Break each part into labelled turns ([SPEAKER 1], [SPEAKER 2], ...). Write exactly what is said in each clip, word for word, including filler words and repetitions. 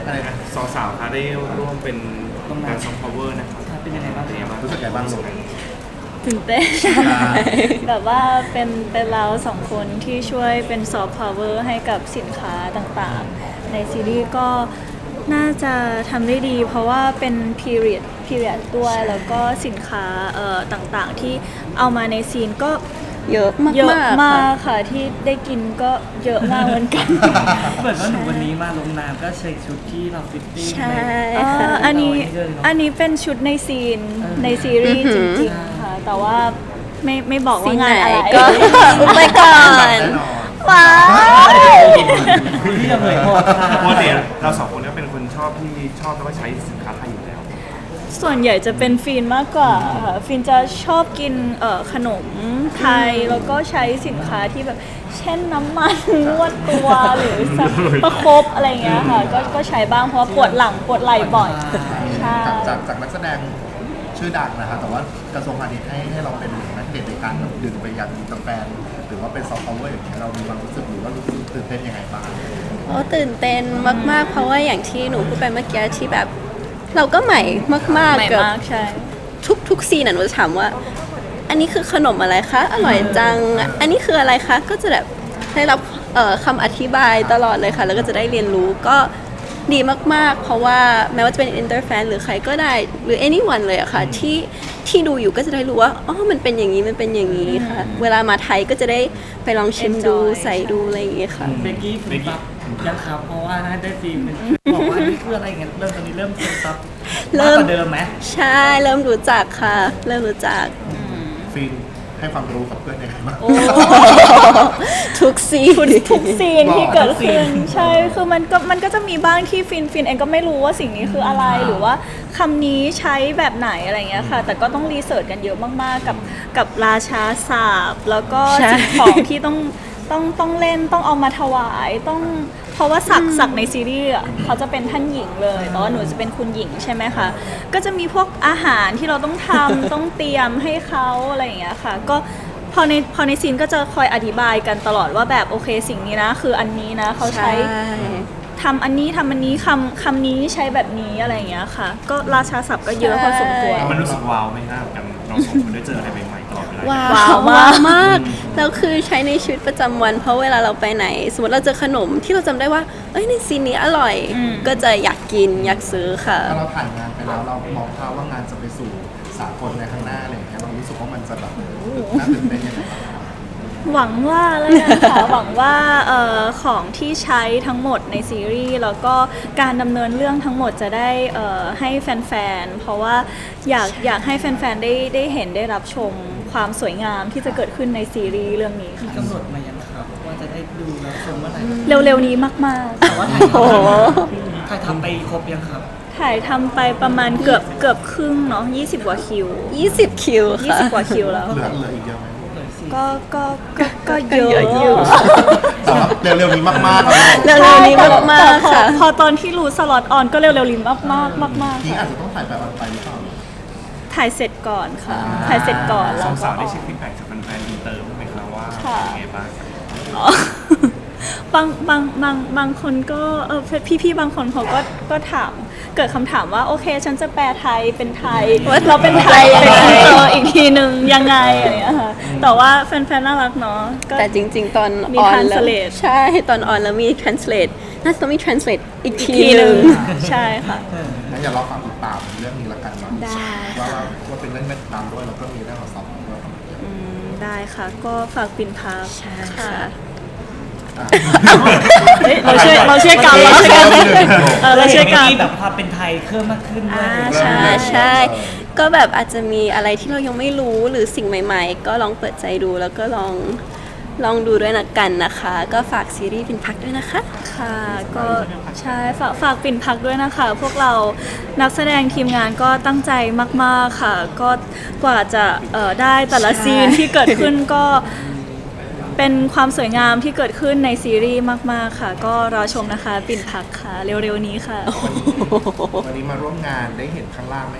[SPEAKER 1] อะไรนะ
[SPEAKER 2] สองสาวคะได้ร่วมเป็นการซอฟต์พาวเวอร์นะครับ
[SPEAKER 3] เป็นยังไงบ้างเป็นยังไงบ้าง
[SPEAKER 1] รู้สึกไงบ้างลูก
[SPEAKER 4] ตื่นเต้นแบบว่าเป็นเป็นเราสองคนที่ช่วยเป็นซอฟต์พาวเวอร์ให้กับสินค้าต่างๆในซีรีส์ก็น่าจะทำได้ดี เพราะว่าเป็น period period ด้วยแล้วก็สินค้าเอ่อต่างๆที่เอามาในซีนก็
[SPEAKER 5] เยอะมาก
[SPEAKER 4] เยอะมากค่ะที่ได้กินก็เยอะมากเหมือนกัน
[SPEAKER 3] เหมือนว่าหนูวันนี้มาลงน้ำก็ใส่ชุดที่เราฟิตติ้ง
[SPEAKER 5] ใช่
[SPEAKER 4] ค่ะอันนี้อันนี้เป็นชุดในซีนในซีรีส์จริงๆค่ะแต่ว่าไม่ไม่บอกว่างานอะไร
[SPEAKER 5] ก็อุบไปก่อนว้าว
[SPEAKER 3] ที่จะเผยหมดค่ะ
[SPEAKER 2] ปกติเราสองคนก็เป็นคนชอบที่ชอบแล้วก็ใช้สินค้าไทยอยู่แล้ว
[SPEAKER 4] ส่วนใหญ่จะเป็นฟินมากกว่าค่ะฟินจะชอบกินเอ่อขนมไทยแล้วก็ใช้สินค้าที่แบบเช่นน้ำมันนวดตัวหรือประคบอะไรเงี้ยค่ะก็ก็ใช้บ้างเพราะปวดหลังปวดไหล่บ่อยใช่
[SPEAKER 1] จากจากนักแสดงชื่อดังนะคะแต่ว่ากระทรวงพาณิชย์ให้ให้เราเป็นนักเด็ดในการดึงไปยังกาแฟหรือว่าเป็นซอฟต์พาวเวอร์อย่างเงี้ยเรามีความรู้สึกหรือว่ารู้สึกตื่นเต้นยังไงบ้าง
[SPEAKER 5] โอ้ตื่นเต้นมากๆเพราะว่าอย่างที่หนูพูดไปเมื่อกี้ที่แบบเราก็ใหม่มากๆกับทุกทุกซีนน่ะหนูจะถามว่าอันนี้คือขนมอะไรคะอร่อยจังอันนี้คืออะไรคะก็จะแบบได้รับคำอธิบายตลอดเลยค่ะแล้วก็จะได้เรียนรู้ก็ดีมากๆเพราะว่าแม้ว่าจะเป็น inter fan หรือใครก็ได้หรือ anyone เลยอะค่ะที่ที่ดูอยู่ก็จะได้รู้ว่าอ๋อมันเป็นอย่างนี้มันเป็นอย่างนี้ค่ะเวลามาไทยก็จะได้ไปลองชิมดูใส่ดูอะไรอย่างเงี้ยค่ะ
[SPEAKER 3] เบกกี้ฝึกซับยังครับเพราะว่าน่าได้ฟิล์มบอกว่านี่คืออะไรเงี้ยเริ่มตอนนี้เริ่มฝึกซับมากกว่าเดิมไหม
[SPEAKER 5] ใช่เริ่มรู้จักค่ะเริ่มรู้จัก
[SPEAKER 1] ฟิล์มให้ความรู้กับเพื่อนยังไงบ้าง
[SPEAKER 5] ทุกซีน
[SPEAKER 4] ทุกซีนที่เกิดขึ้นใช่คือมันก็มันก็จะมีบ้างที่ฟินฟินเองก็ไม่รู้ว่าสิ่งนี้คืออะไรหรือว่าคำนี้ใช้แบบไหนอะไรเงี้ยค่ะแต่ก็ต้องรีเสิร์ชกันเยอะมากๆกับกับราชาศาสตร์แล้วก็สิ่งของที่ต้องต้องต้องเล่นต้องเอามาถวายต้องเพราะว่าสักสักในซีรีส์อ่ะเขาจะเป็นท่านหญิงเลยแต่ว่าหนูจะเป็นคุณหญิงใช่ไหมคะก็จะมีพวกอาหารที่เราต้องทำ ต้องเตรียมให้เขาอะไรอย่างเงี้ยค่ะก็พอในพอในซีนก็จะคอยอธิบายกันตลอดว่าแบบโอเคสิ่งนี้นะคืออันนี้นะเขาใช้ทำอันนี้ทำอันนี้คำคำนี้ใช้แบบนี้อะไรอย่างเงี้ยค่ะก็ราชาศัพท์ก็เยอะพอสมควร
[SPEAKER 2] มันรู้สึกว้าวไหมครับกันเราสองคนได้เจออะไรใหม่ๆตลอดเวลา
[SPEAKER 5] ว้าวว้าวมากแล้วคือใช้ในชีวิตประจำวันเพราะเวลาเราไปไหนสมมติเราเจอขนมที่เราจำได้ว่าเอ้ยในซีนนี้อร่อยก็จะอยากกินอยากซื้อค่ะ
[SPEAKER 1] ถ้าเราผ่านงานไปแล้วเรามองภาพว่างานจะไปสู่สากลในข้างหน้าอะไรอย่างเงี้ยเรารู้สึกว่ามันจะแบบน่าตื่นเต้นยังไงบ้าง
[SPEAKER 4] หวังว่าเลยนะคะหวังว่าเอ่อของที่ใช้ทั้งหมดในซีรีส์แล้วก็การดำเนินเรื่องทั้งหมดจะได้เอ่อให้แฟนๆเพราะว่าอยากอยากให้แฟนๆได้ได้เห็นได้รับชมความสวยงามที่จะเกิดขึ้นในซีรีส์เรื่องนี้ค่ะ
[SPEAKER 3] กำหนดมายังครับว่าจะได้ดูแล้วชมเมื่อไหร่
[SPEAKER 4] เร็วๆนี้มากๆ
[SPEAKER 3] แต่ว่าถ่ายทำถ่ายทำไปครบยังครับ
[SPEAKER 4] ถ่ายทำไปประมาณเกือบเกือบครึ่งเนาะยี่สิบกว่าคิว
[SPEAKER 5] ยี่สิบคิว
[SPEAKER 4] ยี่สิบกว่าคิวแล้ว
[SPEAKER 1] เหลือเหลืออีกเยอะไหม
[SPEAKER 4] ก็ก็ก็ก็เยอะอยู่
[SPEAKER 1] แต่เร็วๆนี้มากๆ
[SPEAKER 5] เร็วๆนี้มากๆค่ะ
[SPEAKER 4] พอตอนที่รู้สล็อตออนก็เร็วๆนี้มากมากมากมาก
[SPEAKER 1] นี่อาจจะต้องถ่ายไปออนไปหรือเปล่า
[SPEAKER 4] ถ่ายเสร็จก่อนค่ะถ่ายเสร็จก่อน
[SPEAKER 2] แล้วสาวได้เช็คฟีดแบ็กจากแฟนๆอินเตอร์ไหมครับว่าเป็นไงบ้าง
[SPEAKER 4] บางบางบางบางคนก็เออพี่ๆบางคนเขาก็ก็ถามเกิดคำถามว่าโอเคฉันจะแปลไทยเป็นไทยเราเป็นไทยเป็นอินเตอร์อีกทีนึงยังไงอะไรอย่างเงี้ยค่ะแต่ว่าแฟนๆน่ารักเนาะ
[SPEAKER 5] แต่จริงๆตอน
[SPEAKER 4] ออนแล้ว
[SPEAKER 5] ใช่ตอนออนแล้วมี translate น่าจะต้องมี translate อีกทีนึง
[SPEAKER 4] ใช่ค่ะ
[SPEAKER 1] งั้นอย่ารอฟังติดตามเรื่องนี้ละกันเนาะว่าว่าเป็นเรื่องแม่ตามด้วยแล้วก็มีเรื่องของซับด้วย
[SPEAKER 4] ได้ค่ะก็ฝากปิ่นพักค่ะ
[SPEAKER 5] เราช่วยเราช่วยกันเราช่วยกัน
[SPEAKER 3] เราช่วยกันแบบความเป็นไทยเพิ่มมากขึ้นด้วย
[SPEAKER 5] ใช่ใช่ก็แบบอาจจะมีอะไรที่เรายังไม่รู้หรือสิ่งใหม่ๆก็ลองเปิดใจดูแล้วก็ลองลองดูด้วยนะกันนะคะก็ฝากซีรีส์ปิ่นพักด้วยนะคะ
[SPEAKER 4] ค่ะก็ใช่ฝากฝากปิ่นพักด้วยนะคะพวกเรานักแสดงทีมงานก็ตั้งใจมากๆค่ะก็กว่าจะได้แต่ละซีนที่เกิดขึ้นก็เป็นความสวยงามที่เกิดขึ้นในซีรีส์มากๆค่ะก็รอชมนะคะปิ่นพักค่ะเร็วๆนี้ค่ะ
[SPEAKER 1] วันนี้มาร่วมงานได้เห็นข้างล่างไหมภ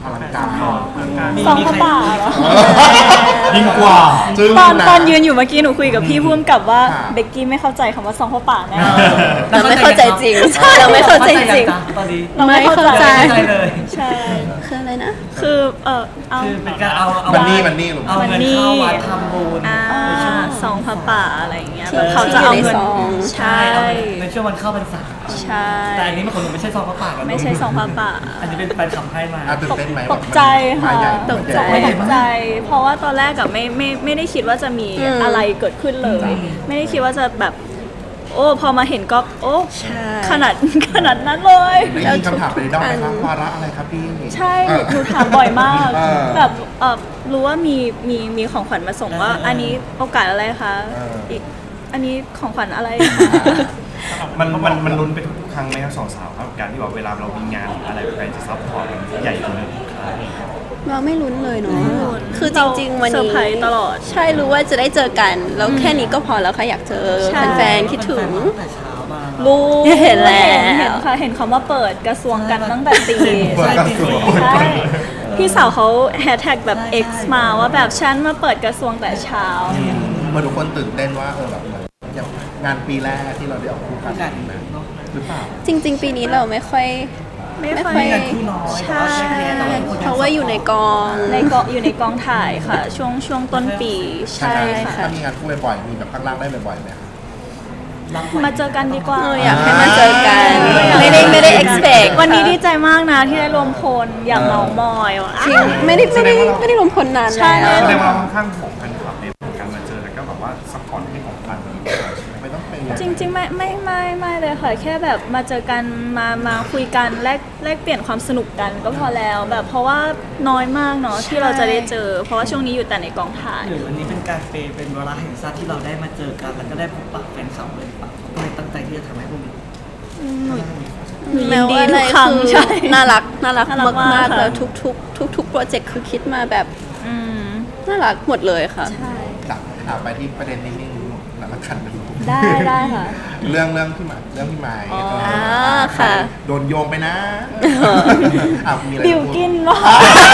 [SPEAKER 1] ลังการ
[SPEAKER 4] ซองผ้าป่าเหรอ
[SPEAKER 1] ยิ่งกว่าจึง
[SPEAKER 4] ตอน
[SPEAKER 1] นะ
[SPEAKER 4] ตอนยืนอยู่เมื่อกี้หนูคุยกับพี่พุ่มกับว่า
[SPEAKER 1] ค่ะ
[SPEAKER 4] เบกกี้ไม่เข้าใจคำว่าซองผ้าป่าแน่
[SPEAKER 5] เราไม่เข้าใจจริงใช่เราไม่เข้าใจจริง
[SPEAKER 3] ตอนนี้
[SPEAKER 4] เราไม่เข้าใจ
[SPEAKER 5] ไม่เข้าใจ
[SPEAKER 3] ไม่เลย
[SPEAKER 4] ใช่
[SPEAKER 5] คืออะไรนะ
[SPEAKER 4] คือเออเอา
[SPEAKER 3] คือเป็นการเอาเอา
[SPEAKER 1] มันนี่มันนี่ลูก
[SPEAKER 3] เอาเงินเข้าวัดทำบุญ
[SPEAKER 4] อ่า
[SPEAKER 3] ในช่วง
[SPEAKER 4] ซองผ้าป่าอะไรอย่างเงี้ย
[SPEAKER 5] ที่
[SPEAKER 4] แบบเขาจะเอาเงิน
[SPEAKER 5] ที่อยู่ในซอง
[SPEAKER 4] ใช่
[SPEAKER 3] เอาในช่วงวันเข้าพรรษา
[SPEAKER 4] ใช่
[SPEAKER 3] แต่อันนี้มันของหนูไม่ใช่ซองพระป่ากัน
[SPEAKER 4] ไม่ใช่ซองผ้าป่า
[SPEAKER 3] อันนี้เป็นแฟนคลับให้มา
[SPEAKER 1] อ่ะตื่นเต้นไหม
[SPEAKER 4] ตกใจค่ะ
[SPEAKER 1] มาใหญ่
[SPEAKER 5] ตกใจ
[SPEAKER 4] ตกใจ เพราะว่าตอนแรกอะไม่ไม่ไม่ได้คิดว่าจะมี
[SPEAKER 5] อืม
[SPEAKER 4] อะไรเกิดขึ้นเลย ไม่ได้คิดว่าจะแบบ โอ้พอมาเห็นก็โอ้
[SPEAKER 5] ใช่
[SPEAKER 4] ขนาดขนาดนั้นเลย
[SPEAKER 1] ได้ยินคำถามไปด้อมไหมครับวาระอะไรครับพี่
[SPEAKER 4] ใช่
[SPEAKER 1] เออ
[SPEAKER 4] หนูถามบ่อยมาก
[SPEAKER 1] เออ
[SPEAKER 4] แบบเออรู้ว่ามีมีมีของขวัญมาส่งว่า อันนี้โอกาสอะไรคะ
[SPEAKER 1] เอออี
[SPEAKER 4] อีกอันนี้ของขวัญอะไร
[SPEAKER 2] มันมันมันลุ้นไปทุกครั้งไหมครับสองสาวครับการที่แบบเวลาเรามีงานหรืออะไรแฟนจะซัพพอร์ตมันใหญ่กว่านั้น
[SPEAKER 5] เราไม่ลุ้นเลยเนาะ
[SPEAKER 4] ไม่ลุ้น
[SPEAKER 5] คือจริง ๆ วัน
[SPEAKER 4] เซอร์
[SPEAKER 5] นี้
[SPEAKER 4] ไพรส์ตลอด
[SPEAKER 5] ใช่รู้ว่าจะได้เจอกัน แล้วแค่นี้ก็พอแล้วค่ะอยากเจอ
[SPEAKER 4] ใช่
[SPEAKER 5] แฟนๆคิดถึง
[SPEAKER 3] แต่เช้ามา
[SPEAKER 4] รู้
[SPEAKER 5] เห็นแล้ว
[SPEAKER 4] เห็นค่ะเห็นคำว่าเปิดกระทรวงกันตั้งแต่ตี
[SPEAKER 1] เปิดกระทรวง
[SPEAKER 4] ใช่พี่สาวเขาแฮชแท็กแบบ X มาว่าแบบฉันมาเปิดกระทรวงแต่เช้า
[SPEAKER 1] เมื่อทุกคนตื่นเต้นว่าเออแบบอย่างงานปีแรกที่เราได้ออกคู่กันนะหรือเปล่า
[SPEAKER 5] จริง ๆ ปีนี้เราไม่ค่อย
[SPEAKER 4] ไม่ค่อย
[SPEAKER 5] ไม่
[SPEAKER 3] งานคู่น้อย
[SPEAKER 4] ใช่
[SPEAKER 5] เพราะว่าอยู่ในกอง
[SPEAKER 4] ในกองอยู่ในกองถ่ายค่ะ ช่วงช่วงต้นปีใช่ค่ะ
[SPEAKER 1] ถ้ามีงานคู่บ่อยๆมีแบบข้างล่างได้บ่อยๆไหมครับ
[SPEAKER 4] มาเจอกันดีกว่า
[SPEAKER 5] เอออยากให้มาเจอกัน ไม่ได้ไม่ได้ expect
[SPEAKER 4] วันนี้ดีใจมากนะที่ได้รวมพลอย่างเมามอยว่ะ
[SPEAKER 5] จริงไม่ได้ไม่ได้ไม่ได้รวมพลนาน
[SPEAKER 4] ใช่
[SPEAKER 5] แล้ว
[SPEAKER 2] แสดงว่าเราค่อนข้างของแฟนคลับในการมาเจอแล้วก็แบบว่าซัพพอร์ตให้ของขวัญ
[SPEAKER 1] ไม่ต้องเป็น
[SPEAKER 4] จริงๆไม่ไม่ไม่ไม่เลยค่ะแค่แบบมาเจอกันมามาคุยกันแลกแลกเปลี่ยนความสนุกกันก็พอแล้วแบบเพราะว่าน้อยมากเนาะที่เราจะได้เจอ เพราะว่าช่วงนี้อยู่แต่ในกองถ่าย
[SPEAKER 3] หรือวันนี้เป็นการเปย์เป็นเวลาแห่งชาติที่เราได้มาเจอกันแล้วก็ได้พบปะแฟนคลับเลยปะก็เลยตั้งใจที่จะทำให้พวกนี้
[SPEAKER 4] หนูยินดี
[SPEAKER 5] แล้วอะไร
[SPEAKER 4] ทุกครั้ง
[SPEAKER 5] คือ
[SPEAKER 4] ใช่
[SPEAKER 5] น่ารักน่ารัก
[SPEAKER 4] น่ารักมาก
[SPEAKER 5] มากๆ
[SPEAKER 4] ค่ะ
[SPEAKER 5] แล้วทุกทุกทุกทุกๆโปรเจกต์คือคิดมาแบบ
[SPEAKER 4] อืม
[SPEAKER 5] น่ารักหมดเลยค่ะ
[SPEAKER 4] ใช่
[SPEAKER 1] กลับอ่ะไปที่ประเด็นนิ่งๆแล้วละกันนะ
[SPEAKER 4] ได้ได้ค่ะ
[SPEAKER 1] เรื่องเรื่องพี่หมายเรื่องพี่หมาย
[SPEAKER 4] อ๋อ
[SPEAKER 1] เออ
[SPEAKER 5] อ่าค่ะ
[SPEAKER 1] โดนโยงไปนะอ่ะมีอะไร
[SPEAKER 4] บิว
[SPEAKER 1] จะพูด
[SPEAKER 4] กินวะ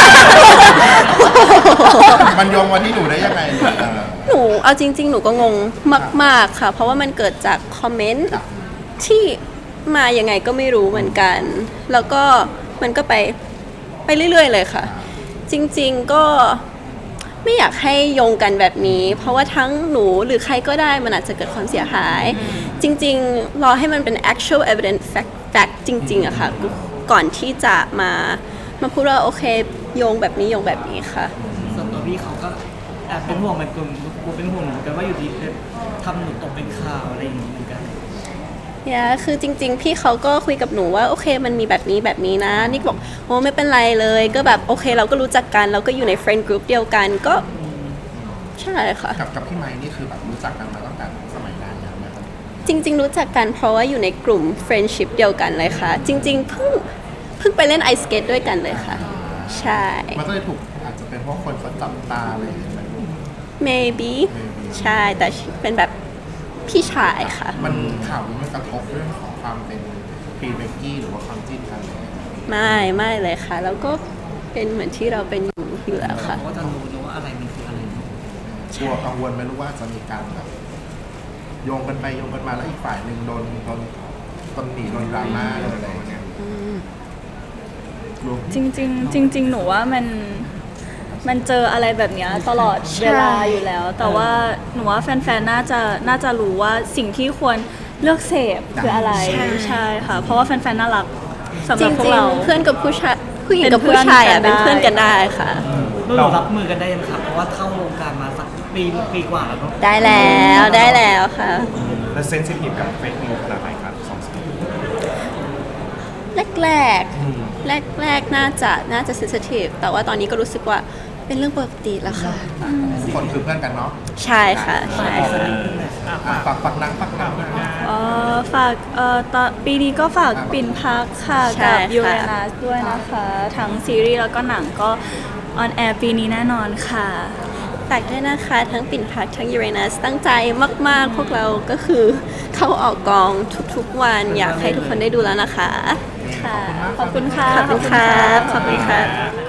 [SPEAKER 1] มันโยงมาที่หนูได้ยังไงเนี่ยเออ
[SPEAKER 5] หนูเอาจริง ๆ หนูก็งงมาก ๆ ค่ะ เพราะว่ามันเกิดจากคอมเมนต์
[SPEAKER 1] ครับ
[SPEAKER 5] ที่มายังไงก็ไม่รู้เหมือนกัน แล้วก็มันก็ไปไปเรื่อย ๆ เลยค่ะ จริง ๆ ก็ไม่อยากให้โยงกันแบบนี้ เพราะว่าทั้งหนูหรือใครก็ได้มันอาจจะเกิดความเสียหาย จริง ๆ รอให้มันเป็น actual evidence fact fact จริง ๆอะค่ะ ก่อนที่จะมามาพูดว่าโอเคโยงแบบนี้โยงแบบนี้ค่ะ
[SPEAKER 3] ส่วนตัวพี่เขาก็แอบเป็นห่วงเหมือนกันกูเป็นห่วงเหมือนกันว่าอยู่ดีทำหนูตกเป็นข่าวอะไรอย่างนี้เหมือนกัน
[SPEAKER 5] เนี่ยคือจริง ๆ พี่เขาก็คุยกับหนูว่าโอเคมันมีแบบนี้แบบนี้นะนิกบอกโอ้ไม่เป็นไรเลยก็แบบโอเคเราก็รู้จักกันเราก็อยู่ใน friend group เดียวกันก็ใช่ค่ะ
[SPEAKER 1] กับกับพี่ไม้นี่คือแบบรู้จักกันมาตั้งแต่สมัยนานแล้วไหมครับ
[SPEAKER 5] จริง ๆ รู้จักกันเพราะว่าอยู่ในกลุ่ม friendship เดียวกันเลยค่ะ จริง ๆ เพิ่งเพิ่งไปเล่นไอสเกตด้วยกันเลยค่ะ ใช่
[SPEAKER 1] มันก็เลยถูกอาจจะเป็นเพราะคนเขาจับตาอะไรอย่างเงี้ยไหม
[SPEAKER 5] maybe ใช่แต่เป็นแบบพี่ชายค่ะ
[SPEAKER 1] มันข่าวนี้มันกระทบเรื่องของความเป็นพรีเบกกี้หรือว่าความจิ้นกันเลย
[SPEAKER 5] ไม่ไม่เลยค่ะ แล้วก็เป็นเหมือนที่เราเป็นอยู่อยู่แล้วค่ะ
[SPEAKER 3] เขาก็จะรู้นะว่าอะไรมันคืออะไร
[SPEAKER 1] กลัวกังวลไหมรู้ว่าจะมีการแบบโยงกันไปโยงกันมาแล้วอีกฝ่ายหนึ่งโดนโดนตำหนิโดนดราม่าโดนอะไรอย่างเงี้ยกลัว
[SPEAKER 4] จริงๆจริง ๆ หนูว่ามันมันเจออะไรแบบเนี้ยตลอดเวลาอยู่แล้ว แต่ว่าหนูว่าแฟนๆน่าจะน่าจะรู้ว่าสิ่งที่ควรเลือกเสพคืออะไร
[SPEAKER 5] ใช่
[SPEAKER 4] ใช่ค่ะ เพราะว่าแฟนๆน่ารักสำห
[SPEAKER 5] จ
[SPEAKER 4] รับพว
[SPEAKER 5] ริ
[SPEAKER 4] ก
[SPEAKER 5] ง
[SPEAKER 4] เรา
[SPEAKER 5] ๆเพื่อนกับผู้ชายผู้หญิงกับ
[SPEAKER 4] เป็นเพื่
[SPEAKER 5] ผู้
[SPEAKER 4] อน
[SPEAKER 5] ชายอ่ะ
[SPEAKER 4] กั
[SPEAKER 5] เป็น น
[SPEAKER 4] ได้
[SPEAKER 5] เพื่อนกันได้ค่ะ
[SPEAKER 3] เรารับมือกันได้ยังครับเพราะว่าเข้าวงการมาสักปีปีกว่าแล้วเนาะ
[SPEAKER 5] ได้แล้วได้แล้วค่ะ
[SPEAKER 2] และเซนซิทีฟกับเฟซนิวขนาดไหนครับสองสาว
[SPEAKER 5] แรกแรกแรกแรกๆน่าจะน่าจะ sensitive แต่ว่าตอนนี้ก็รู้สึกว่าเป็นเรื่องปกติแล้วค่ะ
[SPEAKER 1] ทุกคนคือเพื่อนกันเนาะ
[SPEAKER 5] ใช่ค่ะใช่ค่ะ
[SPEAKER 1] อ่ะฝากฝากนังฝากนังนะ
[SPEAKER 4] เอ่อฝากเอ่อตอนปีนี้ก็ฝากปิ่นพักค่ะ
[SPEAKER 5] ใช่
[SPEAKER 4] กับ
[SPEAKER 5] ค่ะ
[SPEAKER 4] ยูเรนัสด้วยนะคะ ทั้งซีรีส์แล้วก็หนังก็ออนแอร์ปีนี้แน่นอนค่ะ
[SPEAKER 5] ฝากด้วยนะคะทั้งปิ่นพักทั้งยูเรนัสตั้งใจมาก ๆ พวกเราก็คือเข้าออกกองทุกๆวันอยากให้ทุกคนได้ดูแล้วนะคะ
[SPEAKER 4] ค่ะ ขอบคุณค่ะ
[SPEAKER 5] ขอบคุณครับขอบคุณครับ